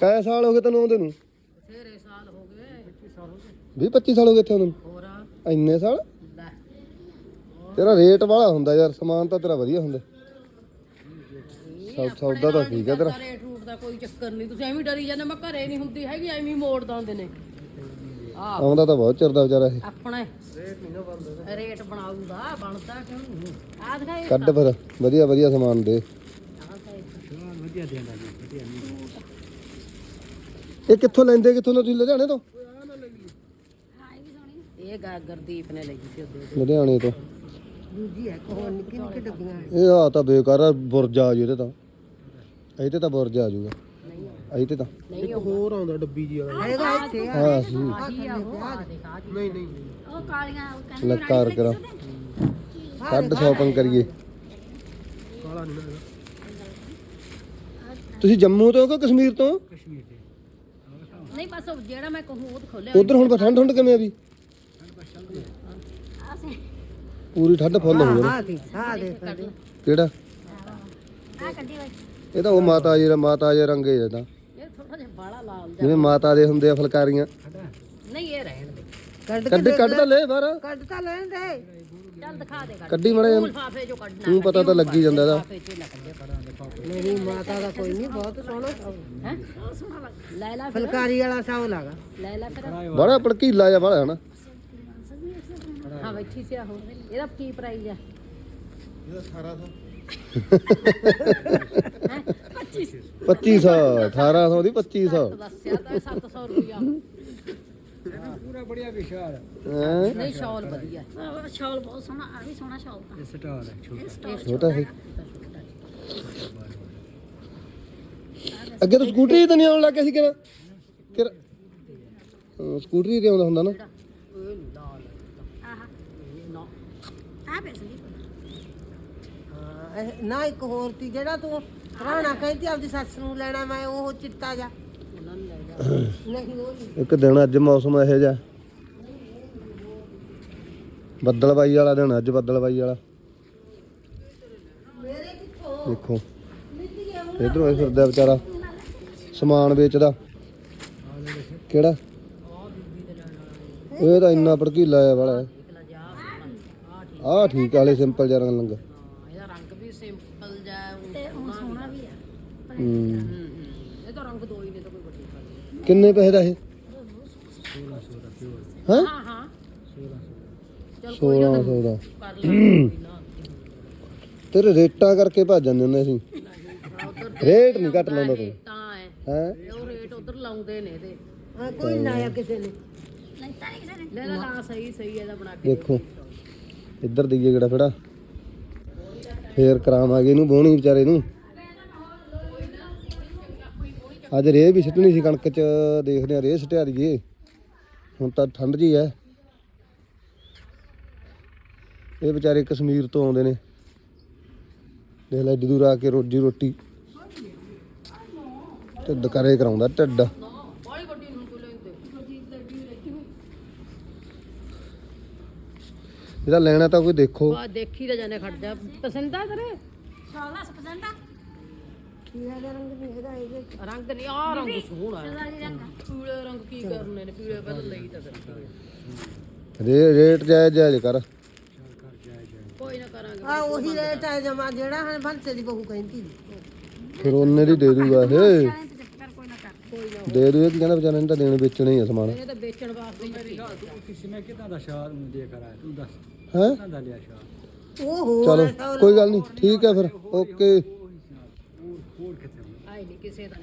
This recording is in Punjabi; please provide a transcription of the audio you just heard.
ਕਾਇਆ ਸਾਲ ਹੋ ਗਏ ਤੈਨੂੰ ਆਉਂਦੇ ਨੂੰ? ਬਥੇਰੇ ਸਾਲ ਹੋ ਗਏ 20-25 ਸਾਲ ਹੋ ਗਏ ਇੱਥੇ ਆਉਂਦੇ ਨੂੰ? ਹੋਰ ਇੰਨੇ ਸਾਲ? ਲੈ ਤੇਰਾ ਰੇਟ ਵਾਲਾ ਹੁੰਦਾ ਯਾਰ, ਸਮਾਨ ਤਾਂ ਤੇਰਾ ਵਧੀਆ ਹੁੰਦਾ। ਸੌਦਾ ਤਾਂ ਠੀਕ ਹੈ ਤੇਰਾ। ਰੇਟ ਰੂਟ ਦਾ ਕੋਈ ਚੱਕਰ ਨਹੀਂ, ਤੁਸੀਂ ਐਵੇਂ ਡਰੀ ਜਾਂਦੇ ਮੈਂ ਘਰੇ ਨਹੀਂ ਹੁੰਦੀ ਹੈਗੀ, ਐਵੇਂ ਮੋੜ ਦਿੰਦੇ ਨੇ। ਆਉਂਦਾ ਤਾਂ ਬਹੁਤ ਚਿਰ ਦਾ ਵਿਚਾਰਾ ਇਹ। ਆਪਣਾ ਰੇਟ ਬਣਾਉਂਦਾ, ਬਣਦਾ ਕਿਉਂ ਨਹੀਂ? ਆ ਦਿਖਾਏ ਕੱਢ ਫਿਰ ਵਧੀਆ ਵਧੀਆ ਸਮਾਨ ਦੇ। ਇਹ ਕਿੱਥੋਂ ਲੈਂਦੇ, ਕਿੱਥੋਂ ਤੁਸੀਂ? ਲੁਧਿਆਣੇ ਤੋਂ? ਇਹ ਗੁਰਦੀਪ ਨੇ ਲਈ ਸੀ ਉਹਦੇ। ਲੁਧਿਆਣੇ ਤੋਂ ਦੂਜੀ ਹੈ ਕੋਹ ਨਿੱਕੀ ਨਿੱਕੀ ਡੱਬੀਆਂ। ਇਹ ਆ ਤਾਂ ਬੇਕਾਰ ਆ, ਬੁਰਜਾ ਆ ਜੀ ਇਹਦੇ ਤਾਂ। ਇਹ ਤੇ ਤਾਂ ਬੁਰਜਾ ਆ ਜਾਊਗਾ ਇਹ ਤੇ ਤਾਂ। ਨਹੀਂ ਹੋਰ ਆਉਂਦਾ ਡੱਬੀ ਜੀ ਵਾਲਾ ਹੈਗਾ ਇੱਥੇ ਹਾਂ ਸੀ ਨਹੀਂ ਨਹੀਂ ਉਹ ਕਾਲੀਆਂ ਲੱਕਾਰ ਕਰਾ ਕੱਢ ਸ਼ਾਪਿੰਗ ਕਰੀਏ। ਕਾਲਾ ਨਹੀਂ ਨਾ ਤੁਸੀਂ ਜੰਮੂ ਤੋਂ ਕਿ ਕਸ਼ਮੀਰ ਤੋਂ? ਕਸ਼ਮੀਰ ਦੇ ਨਹੀਂ ਬਸ ਉਹ ਜਿਹੜਾ ਮੈਂ ਕਹੂੰ ਉਹ ਖੋਲਿਆ। ਉਧਰ ਹੁਣ ਠੰਡ ਠੰਡ ਕਿਵੇਂ ਆ ਵੀ? ਅਸੀਂ ਪੂਰੀ ਠੰਡ ਫੁੱਲ ਹੋ ਗਈ ਹਾਂ ਦੇ ਕਿਹੜਾ? ਆ ਕੱਢੀ ਹੋਈ ਇਹ ਤਾਂ ਉਹ ਮਾਤਾ ਜੀ ਦਾ, ਮਾਤਾ ਜੀ ਰੰਗੇ ਜਿਹਦਾ, ਇਹ ਥੋੜਾ ਜਿਹਾ ਬਾਲਾ ਲਾਲ ਜਿਹਾ। ਜਿਵੇਂ ਮਾਤਾ ਦੇ ਹੁੰਦੇ ਆ ਫੁਲਕਾਰੀਆਂ। ਨਹੀਂ ਇਹ ਰਹਿਣ ਦੇ, ਕੱਢ ਤਾਂ ਲੈ ਬਾਹਰ, ਕੱਢ ਤਾਂ ਲੈਣ ਦੇ। ਚੱਲ ਦਿਖਾ ਦੇ, ਕੱਢੀ ਮੜੇ ਲਿਫਾਫੇ ਜੋ ਕੱਢਣਾ ਤੂੰ ਪਤਾ ਤਾਂ ਲੱਗੀ ਜਾਂਦਾ ਇਹਦਾ। ਲਿਫਾਫੇ ਚ ਨਾ ਕੱਢੇ। ਮੇਰੀ ਮਾਤਾ ਦਾ ਕੋਈ ਨਹੀਂ, ਬਹੁਤ ਸੋਹਣਾ ਹੈ। ਲੈ ਲੈ ਫੁਲਕਾਰੀ ਵਾਲਾ ਸਾਉ ਲਾਗਾ, ਲੈ ਲੈ ਫਿਰ। ਬੜਾ ਭੜਕੀਲਾ ਜਿਹਾ ਵਾਲਾ ਹਨਾ। ਹਾਂ ਬੈਠੀ ਸੀ ਆਹੋ। ਇਹਦਾ ਕੀ ਪ੍ਰਾਈਸ ਆ? ਇਹਦਾ 1800 2500 1800 ਦੀ 2500 ਦੱਸਿਆ ਤਾਂ 700 ਰੁਪਇਆ। ਪੂਰਾ ਬੜੀਆ ਵਿਸ਼ਾਲ ਹੈਂ? ਨਹੀਂ ਸ਼ਾਲ ਵਧੀਆ। ਸ਼ਾਲ ਬਹੁਤ ਸੋਹਣਾ, ਆ ਵੀ ਸੋਹਣਾ ਸ਼ਾਲ ਤਾਂ ਇਹ ਸਟਾਰ ਹੈ ਛੋਟਾ ਛੋਟਾ ਹੈ। ਅੱਗੇ ਤਾਂ ਸਕੂਟਰੀ ਤਾਂ ਨਹੀਂ ਆਉਣ ਲੱਗ ਗਿਆ ਸੀ ਕਿਹੜਾ ਸਕੂਟਰੀ ਤੇ ਆਉਂਦਾ ਹੁੰਦਾ ਨਾ। ਆ ਪੈਸੇ ਨਾ ਇੱਕ ਹੋਰ ਤੀ ਜਿਹੜਾ ਤੂੰ ਰਾਣਾ ਕਹਿੰਦੀ ਆਪਦੀ ਸੱਸ ਨੂੰ ਲੈਣਾ, ਮੈਂ ਉਹ ਚਿੱਟਾ ਜਾ ਨਹੀਂ ਉਹ ਨਹੀਂ। ਇੱਕ ਦਿਨ ਅੱਜ ਮੌਸਮ ਇਹੋ ਜਿਹਾ, ਬੱਦਲਬਾਈ ਵਾਲਾ ਦਿਨ ਅੱਜ, ਬੱਦਲਬਾਈ ਵਾਲਾ। ਦੇਖੋ ਇਧਰੋਂ ਇਹ ਫਿਰਦਾ ਵਿਚਾਰਾ ਸਮਾਨ ਵੇਚਦਾ। ਕਿਹੜਾ? ਇਹ ਤਾਂ ਇੰਨਾ ਭੜਕੀਲਾ ਆ ਵਾਲਾ। ਆਹ ਠੀਕ ਵਾਲੇ ਸਿੰਪਲ ਜਿਹਾ ਰੰਗ। ਇਹਦਾ ਰੰਗ ਵੀ ਸਿੰਪਲ ਜਿਹਾ ਤੇ ਉਹ ਸੋਹਣਾ ਵੀ ਆ। ਇਹ ਤਾਂ ਰੰਗ ਦੋ ਹੀ ਨੇ, ਤਾਂ ਕੋਈ ਵੱਡੀ ਗੱਲ ਨਹੀਂ। ਕਿੰਨੇ ਪੈਸੇ ਦਾ ਇਹ? 1600 ਹਾਂ ਹਾਂ ਹਾਂ 1600 ਚਲ ਕੋਈ ਨਾ 1600 ਦਾ। ਕਰ ਲਾਂਗੇ ਨਾ। ਤੇਰੇ ਰੇਟਾਂ ਕਰਕੇ ਭੱਜ ਜਾਂਦੇ ਹੁੰਦੇ ਅਸੀਂ। ਰੇਟ ਨਹੀਂ ਘੱਟ ਲਾਉਂਦਾ ਤੂੰ ਤਾਂ ਹੈ ਹੈ। ਉਹ ਰੇਟ ਉਧਰ ਲਾਉਂਦੇ ਨੇ ਇਹਦੇ। ਕੋਈ ਨਾ ਆਇਆ ਕਿਸੇ ਨੇ ਨਹੀਂ ਤਾਂ ਕਿਸੇ ਨੇ ਲੈ ਲਾ ਸਹੀ ਸਹੀ ਇਹਦਾ ਬਣਾ ਕੇ। ਦੇਖੋ ਇੱਧਰ ਦੀਏ ਕਿਹੜਾ ਫੜਾ, ਫੇਰ ਕਰਾਵਾਂਗੇ ਇਹਨੂੰ ਬੋਣੀ ਵਿਚਾਰੇ ਨੂੰ। ਅੱਜ ਰੇਹ ਵੀ ਸਿੱਟਣੀ ਸੀ ਕਣਕ ਚ, ਦੇਖਦੇ ਆ ਰੇਹ ਸਿੱਟਿਆ ਦੀਏ। ਹੁਣ ਤਾਂ ਠੰਡ ਜੀ ਹੈ। ਇਹ ਵਿਚਾਰੇ ਕਸ਼ਮੀਰ ਤੋਂ ਆਉਂਦੇ ਨੇ, ਦੇਖ ਲੈ ਏਡੀ ਦੂਰ ਆ ਕੇ ਰੋਜੀ ਰੋਟੀ ਢਿੱਡ ਕਰੇ ਕਰਾਉਂਦਾ ਢਿੱਡ। ਬਾਲੀ ਗੱਡੀ ਨੂੰ ਕੋਈ ਲੈਂਦੇ ਇਹਦਾ ਲੈਣਾ ਤਾਂ ਕੋਈ ਦੇਖੋ। ਆ ਦੇਖੀ ਤਾਂ ਜਾਣੇ, ਖੜ ਜਾ। ਪਸੰਦ ਆ ਤੇਰੇ? ਸ਼ਾਲ ਦਾ ਪਸੰਦ ਆ ਰੰਗ ਨਹੀਂ ਆ ਰੰਗ ਸੋਹਣਾ ਹੈ। ਸਦਾ ਦੀ ਰੰਗ ਪੀਲੇ ਰੰਗ ਕੀ ਕਰਨੇ ਨੇ, ਪੀਲੇ ਬਦਲ ਲਈ ਤਾਂ ਫਿਰ ਰੇਟ ਜਾਇਜ਼ ਜਾਇਜ਼ ਕਰ। ਕੋਈ ਨਾ ਕਰਾਂਗੇ। ਆ ਉਹੀ ਰੇਟ ਹੈ ਜਮਾ ਜਿਹੜਾ ਹਨ ਬੰਸੇ ਦੀ ਬਹੂ ਕਹਿੰਦੀ ਫਿਰ ਉਹਨੇ ਦੀ ਦੇ ਦੂਗਾ ਇਹ, ਚਾਹੇ ਤੇ ਚੱਕਰ ਕੋਈ ਨਾ ਕਰ ਦੇ ਦੂ। ਇਹ ਕੀ ਕਹਿੰਦਾ ਵਿਚਾਰੇ ਨੇ ਤਾਂ ਦੇਣੇ ਵੇਚਣੇ ਹੀ ਆ ਸਮਾਨ। ਇਹਨੇ ਤਾਂ ਵੇਚਣ ਵਾਸਤੇ ਹੀ ਭੇਜਿਆ। किसी में कितना था शाल दे कर आया तू दस ਹੈ कितना था लिया शाल ਉਹ ਹੋਰ ਚਲੋ ਕੋਈ ਗੱਲ ਨਹੀਂ, ਠੀਕ ਹੈ ਫਿਰ ਓਕੇ। और कितने ਆਈ ਨਹੀਂ ਕਿਸੇ ਦਾ